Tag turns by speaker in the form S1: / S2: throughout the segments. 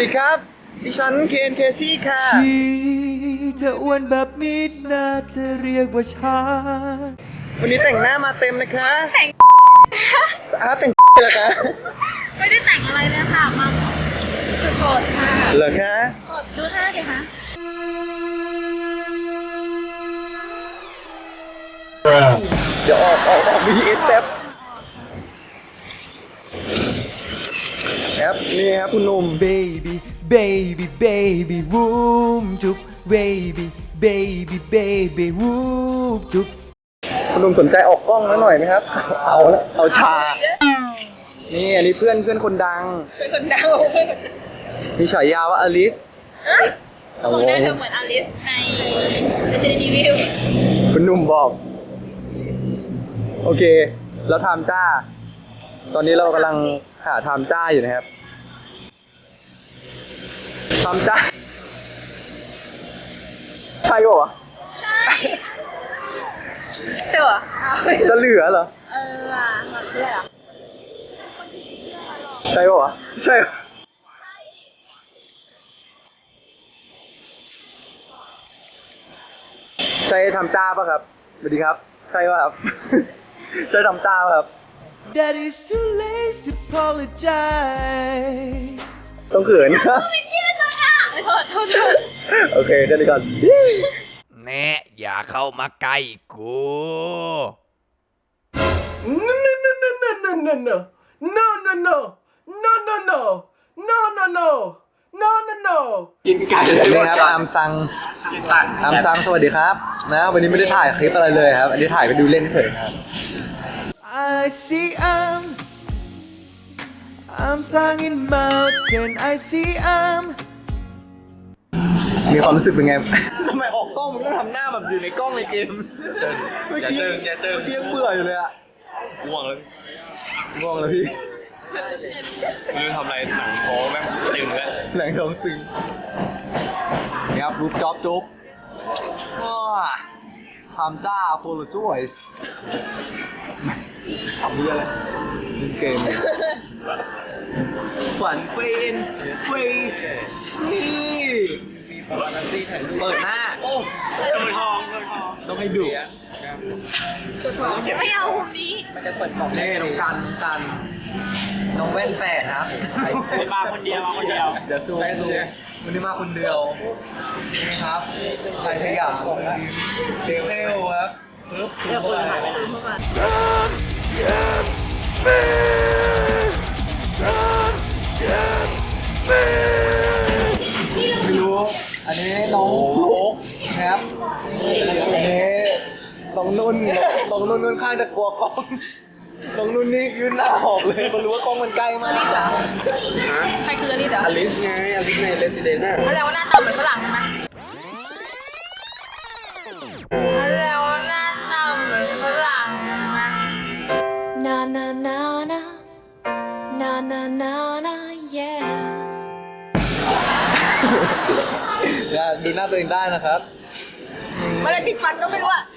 S1: ดีครับดิฉันเคนเคซี่ค่ะ
S2: เธออ้วนแบบนี้น่าจะเรียกว่าช้า
S1: วันนี้แต่งหน้ามาเต็มนะคะแต่งแต่งเหรอคะ
S3: ไม่ได้แต่งอะไรเลยค่ะมาสดค่ะ
S1: เหรอคะ
S3: สดดูท่าสิคะ
S1: เดี๋ยวออกVSแป๊บนี่ครับคุณหนุ่ม
S2: baby baby baby วูมจุ๊บ baby baby baby วูมจุ๊บ
S1: คุณหนุ่มสนใจออกกล้องแล้วหน่อยไหมครับเอาชานี่อันนี้เพื่อนคนดังมีฉายาว่าอลิส
S3: บอกได้เธอเหมือนอลิสใน Resident Evil
S1: คุณหนุ่มบอกโอเคแล้วไทม์จ้าตอนนี้เรากำลังหาไทม์จ้าอยู่นะครับไทม์จ้าใช่ป่ะ
S3: เสือ
S1: จะเหลือเหรอ
S3: ว่ะหมดเลือด
S1: ใช่ป่ะใช่ใช่ทำจ้าป่ะครับสวัสดีครับใช่ป่ะครับ ใช่ทำจ้าป่ะครับ
S2: That is too late to apologize
S1: ต้องเขินนะ
S3: โทษ
S1: โอเคเดี๋ยวก่อน
S2: แน่อย่าเข้ามาใกล้กู
S1: กินไก่เลยครับอามซังสวัสดีครับนะวันนี้ไม่ได้ถ่ายคลิปอะไรเลยครับอันนี้ถ่ายไปดูเล่นเฉยครับ
S2: I see I'm sung in mountain I see
S1: มีความรู้สึกเป็นไง ทำไมออกกล้องมันต้องทำหน้าแบบอยู่ในกล้องในเกมเมื่อกี้เบื่ออยู่เลยอะง่วงแล้วพี่
S4: ไม่รู้ทำอะไรหนังท้องแม่งตึงแล้ว
S1: หนังท้องตึงนี่ครับรูปจ็อบจุ๊บทำจ้าโฟล์จอยส์ทำเยอะเลยเล่นเกมฝันเป็นนี่เปิดหน้าต้องให้ดุ
S3: ไม่เอาคนนี้
S1: เน่น้องกันน้องแว่นแฝดครับ
S4: มาคนเดียว
S1: เดี๋ยวซูมวันนี้มาคนเดียวนี่ครับชายสยามเด็กเซลครับปึ๊บเข้ามาไม่รู้อันนี้น้องฟลุ๊กนะครับอันนี้น้องนุ่นข้างจะกลัวกล้องน้องนุ่นนี่ยืนหน้าหอกเลยเพราะรู้ว่ากล้องมันใกล้มาก
S3: ใครคืออลิสเหรอ
S1: อลิสไงอลิสใน Resident น่ะ
S3: แล้วหน้าตาเหมือนฝรั่งใช่ไหมแล้วหน้าตาเหมือนฝรั่งใช่ไหม
S5: Na na na na na na na na yeah
S1: ดูหน้าตัวเองได้นะครับ
S3: มันอะไรติดฟันก็ไม่รู้อะ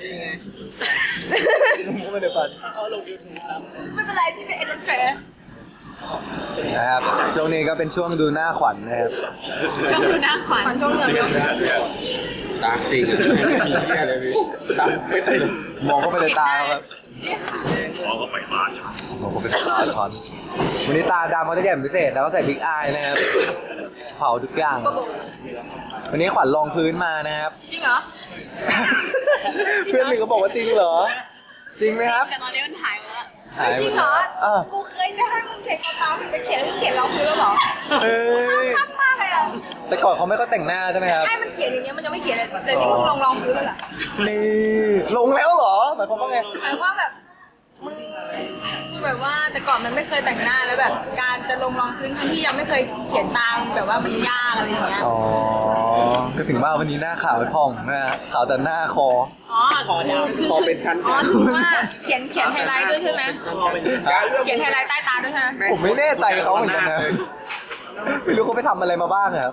S1: ไม่ได้ฟัน
S3: ไม่เป็นไรที่เป็นเอ็นแฟร์
S1: นะครับช่วงนี้ก็เป็นช่วงดูหน้าขวัญนะครับ
S3: ช่วงดูหน้าขวัญช่วงเหงื่อเยอะ
S4: ตาจริงเลยพี่ตาไม่ได้
S1: มองเข้าไปในตาครับ
S4: มองเข้าไปตาช็อต
S1: วันนี้ตาดำเขาจะแจ่มพิเศษแล้วก็ใส่บิ๊กอายนะครับเผาทุกอย่างวันนี้ขวัญรองพื้นมานะครับ
S3: จริงเหรอ
S1: เพื่อนหนึ่งก็บอกว่าจริงเหรอจริงไหมครับ
S3: แต่ตอนนี้มันหายแล้ว
S1: จ
S3: ริงเหรอกูเคยจะให้มึงเขียนตามไปเขียนรองพื้นแล้วเหรอคักมากเลยอ่ะ
S1: แต่ก่อนเขาไม่ก็แต่งหน้าใช่ไหมครับ
S3: ให้มันเขียนอย่างเงี้ยมันจะไม่เขียนเลยแต่นี่มึงลองพื้นแล้วเหรอ
S1: นี่ลงแล้วเหรอหมายความว่าไง
S3: หมายว่าแบบมึงแบบว่าแต่ก่อนมันไม่เคยแต่งหน้าแล้วแบบการจะลงรองพื้นทั้งที่ยังไม่เคยเขียนตามแบบว่ามันยากอะไรอย่างเงี้ย
S1: อ๋อก็ถึงว่าวันนี้หน้าขาวผ่องนะขาวแต่หน้าคอ
S4: คอเป็นชั้น
S3: อ๋อถือว่าเขียนไฮไลท์ด้วยใช่ไหมเขียนไฮไลท์ใต้ตาด้วยใช่ไหม
S1: ผมไม่แน่ใจเขาเหมือนกันนะไม่รู้เขาไปทำอะไรมาบ้างครับ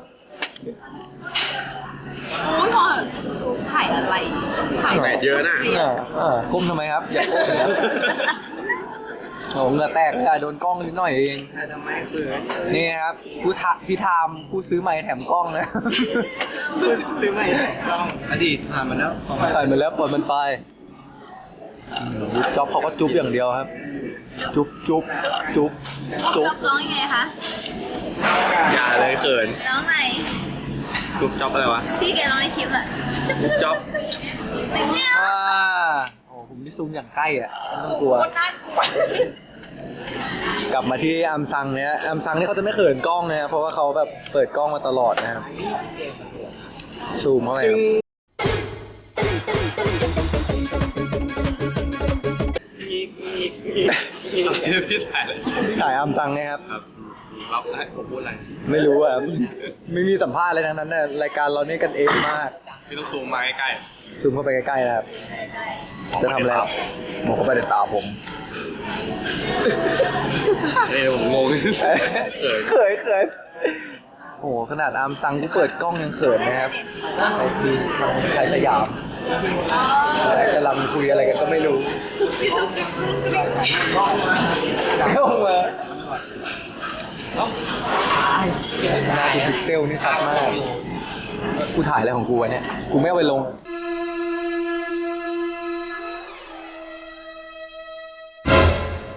S3: โอ้ยพอถ่ายอะไร
S4: ถ่ายเยอะนะ
S1: ก้มทำไมครับอย่าก้มโอ้เหงื่อแตกเลยอะโดนกล้องนิดหน่อยเองทำไมเสือนี่ครับพี่ทามผู้ซื้อไม้แถมกล้องนะ
S4: ซื้อใหม่อดีตผ่านมาแล้ว
S1: ผ่านมาแล้วปล่อยมันไปจ๊อบเขาก็จุ๊บอย่างเดียวครับ จุ๊บจุ๊บจุ๊บจุ๊บ
S3: ร้องยังไงคะ
S4: อย่าเลยเขิน
S3: ร้องไหน
S4: จุ๊บจ๊อบอะไรวะ
S3: พี่แกร้องในคลิปอะ
S4: จุ๊บจ๊อบ
S1: อ่าโอ้ผมนี่ซูมอย่างใกล้อ่ะไม่ต้องกลัว
S3: น่ากลัว
S1: กลับมาที่อัมซังเนี่ยอัมซังนี่เขาจะไม่เขินกล้องนะเพราะว่าเขาแบบเปิดกล้องมาตลอดนะครับซูมเข้าไปครับ
S4: พี่ถ่ายเลย
S1: ถ่ายอัมซังเนี่ยครับ
S4: ครับรับได้ผมพูดอะไร
S1: ไม่รู้อ่ะไม่มีสัมภาษณ์อะไรทั้งนั้นนะรายการเรานี่กันเองมาก
S4: พี่ต้องซูมมาใกล้
S1: ซูมเข้าไปใกล้ๆนะครับจะทำอะไรบอกเข้าไปในตาผม
S4: ๆผมงง
S1: เขินโอ้โหขนาดอัมซังกูเปิดกล้องยังเขินนะครับไอ้มีทางชายสยามกำลังคุยอะไรกันก็ไม่รู้เข้ามาหน้ากูพิกเซลนี่ชัดมาก กูถ่ายอะไรของกูวะเนี่ย กูไม่เอาไปลง